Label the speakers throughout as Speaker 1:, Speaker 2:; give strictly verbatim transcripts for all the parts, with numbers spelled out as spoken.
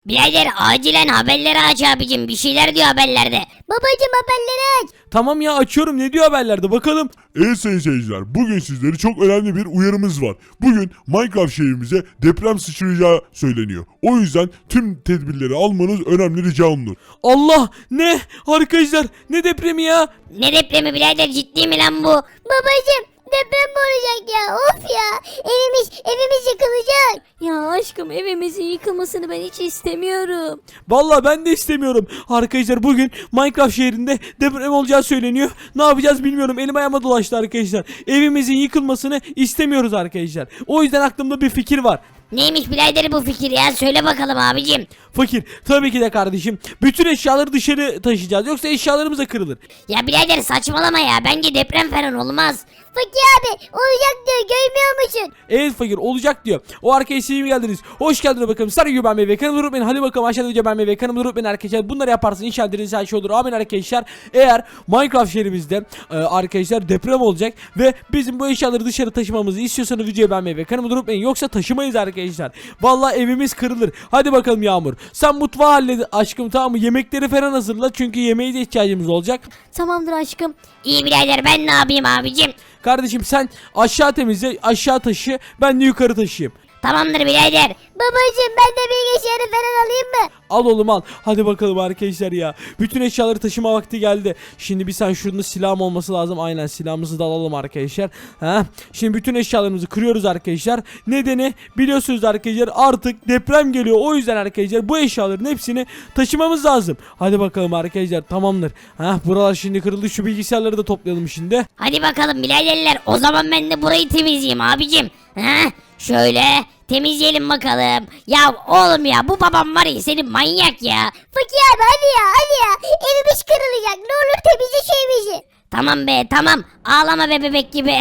Speaker 1: Birader acilen haberleri aç abicim, bir şeyler diyor haberlerde.
Speaker 2: Babacım haberleri aç.
Speaker 3: Tamam ya, açıyorum, ne diyor haberlerde bakalım.
Speaker 4: Evet sayın seyirciler, bugün sizlere çok önemli bir uyarımız var. Bugün Minecraft şehrimize deprem sıçrayacağı söyleniyor. O yüzden tüm tedbirleri almanız önemli ricamdır.
Speaker 3: Allah, ne arkadaşlar, ne depremi ya?
Speaker 1: Ne depremi birader, ciddi mi lan bu?
Speaker 2: Babacım deprem mi olacak ya? Of ya. Evimiz evimiz yıkılacak.
Speaker 5: Ya aşkım, evimizin yıkılmasını ben hiç istemiyorum.
Speaker 3: Vallahi ben de istemiyorum. Arkadaşlar bugün Minecraft şehrinde deprem olacağı söyleniyor. Ne yapacağız bilmiyorum. Elim ayağıma dolaştı arkadaşlar. Evimizin yıkılmasını istemiyoruz arkadaşlar. O yüzden aklımda bir fikir var.
Speaker 1: Neymiş birader bu fikir ya, söyle bakalım abicim.
Speaker 3: Fakir, tabii ki de kardeşim. Bütün eşyaları dışarı taşıyacağız. Yoksa eşyalarımız da kırılır.
Speaker 1: Ya birader saçmalama ya, bence deprem falan olmaz.
Speaker 2: Fakir abi olacak diyor, görmüyor musun?
Speaker 3: Evet fakir, olacak diyor. O arkaya siz mi geldiniz? Hoş geldiniz bakalım. Sarı gibi ben ve kanımı unutmayın. Hadi bakalım aşağıda video ben ve kanımı unutmayın arkadaşlar. Bunları yaparsın inşallah dediğiniz her şey olur. Amin arkadaşlar. Eğer Minecraft şehrimizde e, arkadaşlar deprem olacak ve bizim bu eşyaları dışarı taşımamızı istiyorsanız videoyu beğenmeyi ve kanımı unutmayın. Yoksa taşımayız arkadaşlar. Vallahi evimiz kırılır. Hadi bakalım Yağmur. Sen mutfağı hallet aşkım, tamam mı? Yemekleri falan hazırla. Çünkü yemeğe de ihtiyacımız olacak.
Speaker 5: Tamamdır aşkım.
Speaker 1: İyi birader, ben ne yapayım abicim?
Speaker 3: Kardeşim sen aşağı temizle, aşağı taşı. Ben de yukarı taşıyayım.
Speaker 1: Tamamdır birader.
Speaker 2: Babacım ben de bilgisayarı falan alayım mı?
Speaker 3: Al oğlum al. Hadi bakalım arkadaşlar ya. Bütün eşyaları taşıma vakti geldi. Şimdi bir sen şurada silahım olması lazım. Aynen, silahımızı da alalım arkadaşlar. Ha? Şimdi bütün eşyalarımızı kırıyoruz arkadaşlar. Nedeni biliyorsunuz arkadaşlar, artık deprem geliyor. O yüzden arkadaşlar bu eşyaların hepsini taşımamız lazım. Hadi bakalım arkadaşlar, tamamdır. Ha, buralar şimdi kırıldı. Şu bilgisayarları da toplayalım şimdi.
Speaker 1: Hadi bakalım biraderler, o zaman ben de burayı temizleyeyim abicim. Ha? Şöyle temizleyelim bakalım. Ya oğlum ya, bu babam var ya senin manyak ya.
Speaker 2: Fakir abi hadi ya hadi ya. Evimiz kırılacak, ne olur temizle şu evimizi.
Speaker 1: Tamam be tamam, ağlama be bebek gibi.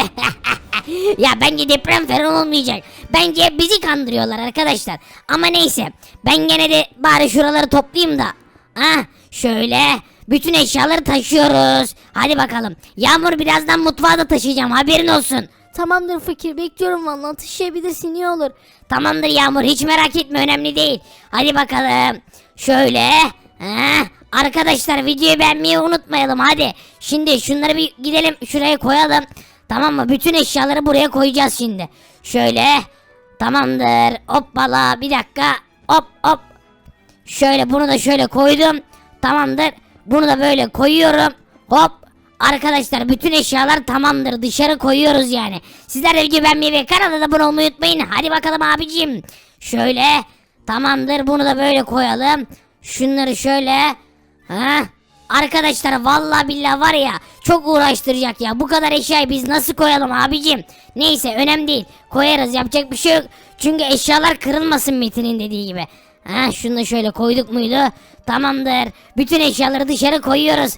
Speaker 1: Ya bence deprem falan olmayacak. Bence bizi kandırıyorlar arkadaşlar. Ama neyse, ben gene de bari şuraları toplayayım da. Ah şöyle bütün eşyaları taşıyoruz. Hadi bakalım. Yağmur, birazdan mutfağa da taşıyacağım, haberin olsun.
Speaker 5: Tamamdır fakir, bekliyorum vallahi, taşıyabilirsin, iyi olur.
Speaker 1: Tamamdır Yağmur, hiç merak etme, önemli değil. Hadi bakalım. Şöyle. Heh. Arkadaşlar videoyu beğenmeyi unutmayalım hadi. Şimdi şunları bir gidelim şuraya koyalım. Tamam mı? Bütün eşyaları buraya koyacağız şimdi. Şöyle. Tamamdır. Hoppala, bir dakika. Hop hop. Şöyle bunu da şöyle koydum. Tamamdır. Bunu da böyle koyuyorum. Hop. Arkadaşlar bütün eşyalar tamamdır. Dışarı koyuyoruz yani. Sizler de videoyu beğenmeyi ve kanala da abone olmayı unutmayın. Hadi bakalım abicim. Şöyle. Tamamdır. Bunu da böyle koyalım. Şunları şöyle. Ha? Arkadaşlar vallahi billahi var ya, çok uğraştıracak ya. Bu kadar eşyayı biz nasıl koyalım abicim? Neyse, önemli değil. Koyarız, yapacak bir şey yok. Çünkü eşyalar kırılmasın Metin'in dediği gibi. Ha, şunu da şöyle koyduk muydu? Tamamdır. Bütün eşyaları dışarı koyuyoruz.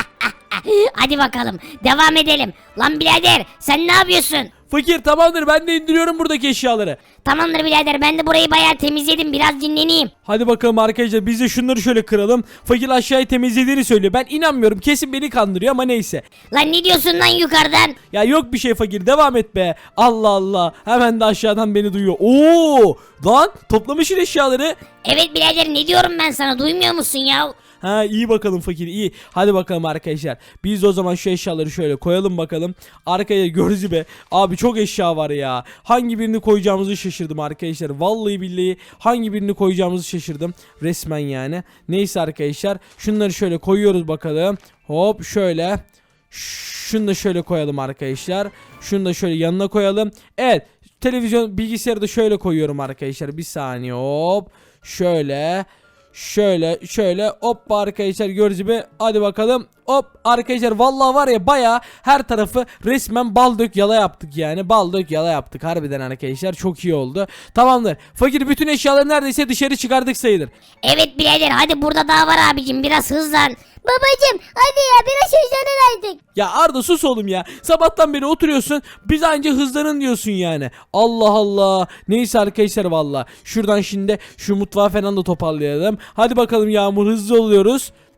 Speaker 1: Hadi bakalım devam edelim. Lan birader, sen ne yapıyorsun?
Speaker 3: Fakir, tamamdır, ben de indiriyorum buradaki eşyaları.
Speaker 1: Tamamdır birader, ben de burayı bayağı temizledim, biraz dinleneyim.
Speaker 3: Hadi bakalım arkadaşlar, biz de şunları şöyle kıralım. Fakir aşağıyı temizlediğini söylüyor. Ben inanmıyorum, kesin beni kandırıyor ama neyse.
Speaker 1: Lan ne diyorsun lan yukarıdan?
Speaker 3: Ya yok bir şey fakir, devam et be. Allah Allah, hemen de aşağıdan beni duyuyor. Oo lan, toplamışsın eşyaları.
Speaker 1: Evet birader, ne diyorum ben sana, duymuyor musun ya?
Speaker 3: Ha, iyi bakalım fakir, iyi. Hadi bakalım arkadaşlar. Biz de o zaman şu eşyaları şöyle koyalım bakalım. Arkaya gördüğünüz gibi abi çok eşya var ya. Hangi birini koyacağımızı şaşırdım arkadaşlar. Vallahi billahi hangi birini koyacağımızı şaşırdım. Resmen yani. Neyse arkadaşlar. Şunları şöyle koyuyoruz bakalım. Hop şöyle. Şunu da şöyle koyalım arkadaşlar. Şunu da şöyle yanına koyalım. Evet. Televizyon, bilgisayarı da şöyle koyuyorum arkadaşlar. Bir saniye, hop. Şöyle. Şöyle şöyle hop arkadaşlar, gördüğünüz gibi. Hadi bakalım hop arkadaşlar, vallahi var ya baya her tarafı resmen bal dök yala yaptık yani. Bal dök yala yaptık harbiden arkadaşlar, çok iyi oldu. Tamamdır fakir, bütün eşyaları neredeyse dışarı çıkardık sayılır.
Speaker 1: Evet birader, hadi burada daha var abicim, biraz hızlan.
Speaker 2: Babacım hadi ya, biraz hızlanın artık.
Speaker 3: Ya Arda sus oğlum ya, sabahtan beri oturuyorsun, biz anca hızlanın diyorsun yani. Allah Allah. Neyse arkadaşlar, valla şuradan şimdi şu mutfağı falan da toparlayalım. Hadi bakalım Yağmur, hızlı oluyoruz.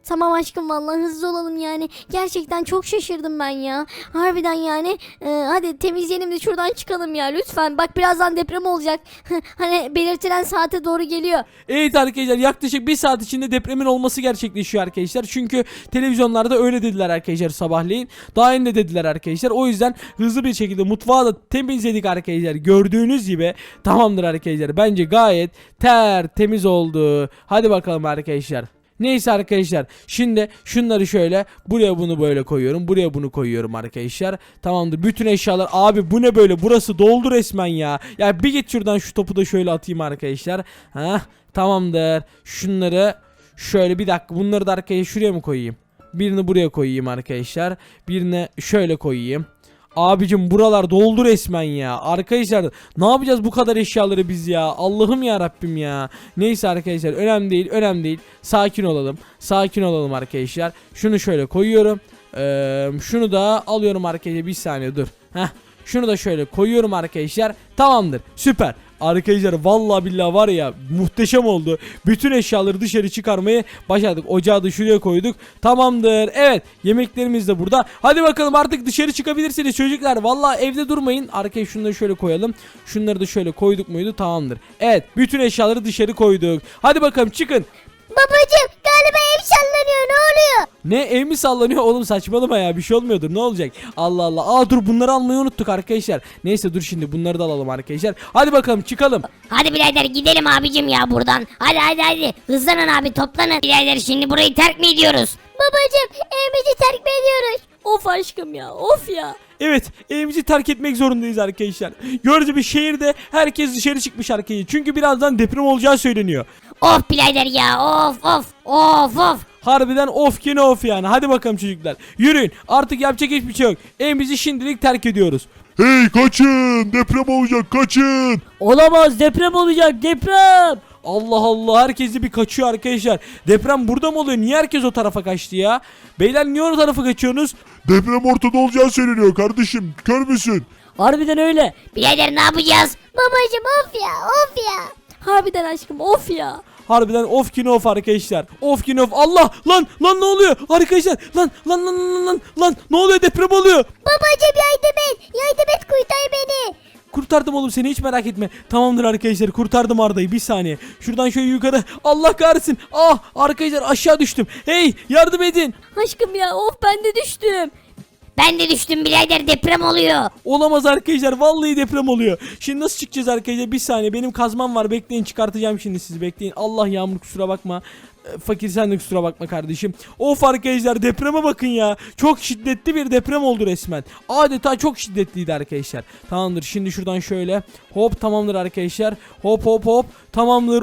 Speaker 5: Tamam aşkım vallahi hızlı olalım yani. Gerçekten çok şaşırdım ben ya. Harbiden yani. Ee, hadi temizleyelim de şuradan çıkalım ya lütfen. Bak birazdan deprem olacak. Hani belirtilen saate doğru geliyor.
Speaker 3: Evet arkadaşlar yaklaşık bir saat içinde depremin olması gerçekleşiyor arkadaşlar. Çünkü televizyonlarda öyle dediler arkadaşlar sabahleyin. Daha yeni de dediler arkadaşlar. O yüzden hızlı bir şekilde mutfağı da temizledik arkadaşlar. Gördüğünüz gibi tamamdır arkadaşlar. Bence gayet tertemiz oldu. Hadi bakalım arkadaşlar. Neyse arkadaşlar şimdi şunları şöyle buraya bunu böyle koyuyorum, buraya bunu koyuyorum arkadaşlar. Tamamdır, bütün eşyalar. Abi bu ne böyle, burası doldu resmen ya. Ya bir git şuradan, şu topu da şöyle atayım arkadaşlar. Hah, tamamdır. Şunları şöyle, bir dakika, bunları da arkaya şuraya mı koyayım? Birini buraya koyayım arkadaşlar, birini şöyle koyayım. Abicim buralar doldu resmen ya. Arkadaşlar ne yapacağız bu kadar eşyaları biz ya? Allah'ım ya Rabbim ya. Neyse arkadaşlar, önemli değil, önemli değil. Sakin olalım. Sakin olalım arkadaşlar. Şunu şöyle koyuyorum. Ee, şunu da alıyorum arkadaşlar. Bir saniye dur. Heh. Şunu da şöyle koyuyorum arkadaşlar. Tamamdır. Süper. Arkadaşlar vallahi billahi var ya, muhteşem oldu. Bütün eşyaları dışarı çıkarmayı başardık. Ocağı da şuraya koyduk. Tamamdır. Evet, yemeklerimiz de burada. Hadi bakalım artık dışarı çıkabilirsiniz çocuklar. Vallahi evde durmayın. Arkaya şunları şöyle koyalım. Şunları da şöyle koyduk muydu? Tamamdır. Evet, bütün eşyaları dışarı koyduk. Hadi bakalım çıkın.
Speaker 2: Babacım galiba ev sallanıyor, ne oluyor?
Speaker 3: Ne, ev mi sallanıyor oğlum, saçmalama ya, bir şey olmuyordur, ne olacak? Allah Allah. Aa dur, bunları almayı unuttuk arkadaşlar. Neyse dur, şimdi bunları da alalım arkadaşlar. Hadi bakalım çıkalım.
Speaker 1: Hadi birader gidelim abicim ya buradan. Hadi hadi hadi. Hızlanın abi, toplanın. Birader şimdi burayı terk mi ediyoruz?
Speaker 2: Babacım evimizi terk mi ediyoruz?
Speaker 5: Of aşkım ya of ya.
Speaker 3: Evet, evimizi terk etmek zorundayız arkadaşlar. Gördüğünüz gibi şehirde herkes dışarı çıkmış arkadaşlar. Çünkü birazdan deprem olacağı söyleniyor.
Speaker 1: Of birader ya, of of of of.
Speaker 3: Harbiden of ki ne of yani. Hadi bakalım çocuklar, yürüyün, artık yapacak hiçbir şey yok. Evimizi şimdilik terk ediyoruz.
Speaker 4: Hey kaçın, deprem olacak, kaçın.
Speaker 5: Olamaz, deprem olacak, deprem.
Speaker 3: Allah Allah, herkes de bir kaçıyor arkadaşlar. Deprem burada mı oluyor? Niye herkes o tarafa kaçtı ya? Beyler niye o tarafa kaçıyorsunuz?
Speaker 4: Deprem ortada olacağı söyleniyor kardeşim, kör müsün?
Speaker 5: Harbiden öyle.
Speaker 1: Birader ne yapacağız?
Speaker 2: Babacım of ya, of ya.
Speaker 5: Harbiden aşkım of ya.
Speaker 3: Harbiden of ki ne of arkadaşlar. Of ki ne of. Allah, lan lan ne oluyor arkadaşlar? Lan lan lan lan lan lan ne oluyor, deprem oluyor.
Speaker 2: Babacım yardım et, yardım et, kurtar beni.
Speaker 3: Kurtardım oğlum seni, hiç merak etme. Tamamdır arkadaşlar, kurtardım Arda'yı. Bir saniye. Şuradan şöyle yukarı. Allah kahretsin. Ah arkadaşlar, aşağı düştüm. Hey yardım edin.
Speaker 5: Aşkım ya of, ben de düştüm.
Speaker 1: Ben de düştüm birader, deprem oluyor.
Speaker 3: Olamaz arkadaşlar, vallahi deprem oluyor. Şimdi nasıl çıkacağız arkadaşlar? Bir saniye, benim kazmam var, bekleyin, çıkartacağım şimdi sizi, bekleyin. Allah, Yağmur kusura bakma. E, Fakir sen de kusura bakma kardeşim. Of arkadaşlar, depreme bakın ya. Çok şiddetli bir deprem oldu resmen. Adeta çok şiddetliydi arkadaşlar. Tamamdır, şimdi şuradan şöyle. Hop, tamamdır arkadaşlar. Hop hop hop. Tamamdır.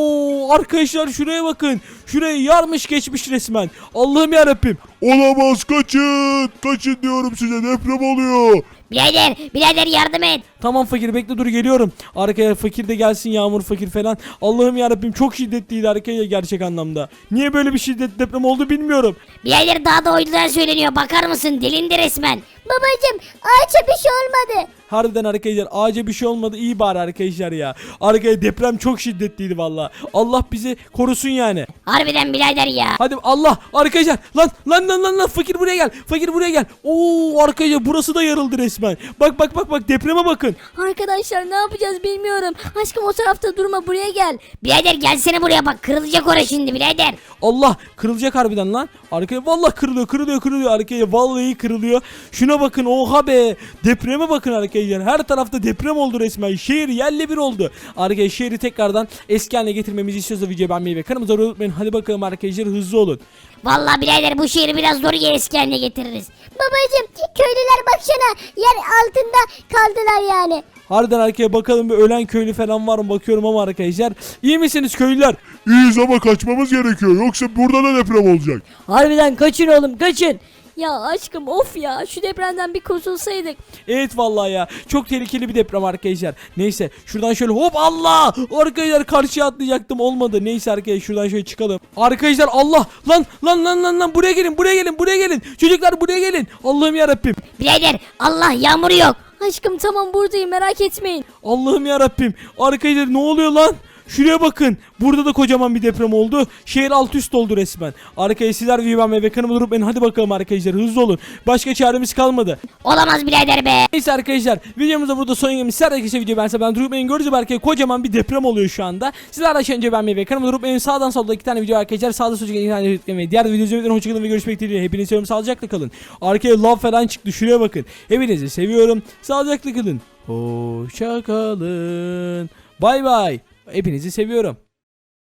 Speaker 3: Oo arkadaşlar, şuraya bakın. Şurayı yarmış geçmiş resmen. Allah'ım yarabbim.
Speaker 4: Olamaz, kaçın. Kaçın diyorum size, deprem oluyor.
Speaker 1: Birader birader yardım et.
Speaker 3: Tamam fakir, bekle, dur geliyorum. Arkaya fakir de gelsin, Yağmur, fakir falan. Allah'ım yarabbim, çok şiddetliydi arkaya gerçek anlamda. Niye böyle bir şiddetli deprem oldu bilmiyorum.
Speaker 1: Birader daha da uydudan söyleniyor, bakar mısın, delindi resmen.
Speaker 2: Babacım ağaça bir şey olmadı.
Speaker 3: Harbiden arkadaşlar, ağaca bir şey olmadı, iyi bari arkadaşlar ya. Arkaya deprem çok şiddetliydi valla. Allah bizi korusun yani.
Speaker 1: Harbiden birader ya.
Speaker 3: Hadi Allah, arkadaşlar, lan lan lan lan lan, fakir buraya gel. Fakir buraya gel. Oo arkadaşlar, burası da yarıldı resmen. Bak bak bak bak, depreme bakın.
Speaker 5: Arkadaşlar ne yapacağız bilmiyorum. Aşkım o tarafta durma, buraya gel.
Speaker 1: Birader gelsene buraya, bak kırılacak orası şimdi birader.
Speaker 3: Allah, kırılacak harbiden lan. Arkaya vallahi kırılıyor kırılıyor kırılıyor arkaya, vallahi kırılıyor. Şuna bakın, oha be. Depreme bakın arkadaşlar. Her tarafta deprem oldu resmen. Şehir yerle bir oldu. Arkadaşlar şehri tekrardan eski haline getirmemizi istiyorsa videoyu beğenmeyi ve kanalımıza abone olmayı unutmayın. Hadi bakalım arkadaşlar, hızlı olun.
Speaker 1: Vallahi birader bu şehri biraz zor eski haline getiririz.
Speaker 2: Babacım köylüler baksana, yer altında kaldılar yani.
Speaker 3: Harbiden arkaya bakalım, bir ölen köylü falan var mı bakıyorum ama arkadaşlar. İyi misiniz köylüler?
Speaker 4: İyiyiz ama kaçmamız gerekiyor, yoksa burada da deprem olacak.
Speaker 5: Harbiden kaçın oğlum, kaçın. Ya aşkım of ya, şu depremden bir kurtulsaydık.
Speaker 3: Evet vallahi ya, çok tehlikeli bir deprem arkadaşlar. Neyse şuradan şöyle hop, Allah, arkadaşlar karşıya atlayacaktım, olmadı. Neyse arkadaşlar şuradan şöyle çıkalım. Arkadaşlar Allah, lan lan lan lan lan, buraya gelin buraya gelin buraya gelin. Çocuklar buraya gelin. Allah'ım yarabbim.
Speaker 1: Birader Allah, yağmur yok.
Speaker 5: Aşkım tamam buradayım, merak etmeyin.
Speaker 3: Allah'ım yarabbim. Arkadaşlar ne oluyor lan? Şuraya bakın. Burada da kocaman bir deprem oldu. Şehir alt üst oldu resmen. Arkaya sizler videoyu ve kanımı durup beni hadi bakalım arkadaşlar hızlı olun. Başka çaremiz kalmadı.
Speaker 1: Olamaz birader be.
Speaker 3: Neyse arkadaşlar videomuzda burada son yemiş. Sizler arkadaşlar video bense ben durup beni gördüğünüz belki kocaman bir deprem oluyor şu anda. Sizler aşağı önce beğenmeyi ve kanımı durup beni sağdan solda iki tane video arkadaşlar. Sağda solda iki tane video ve diğer videoyu izlemeyi hoşçakalın ve görüşmek dileğiyle. Hepinizi seviyorum, sağlıcakla kalın. Arkaya lav falan çıktı, şuraya bakın. Hepinizi seviyorum, sağlıcakla kalın. Hoşça kalın. Bay bay. Hepinizi seviyorum.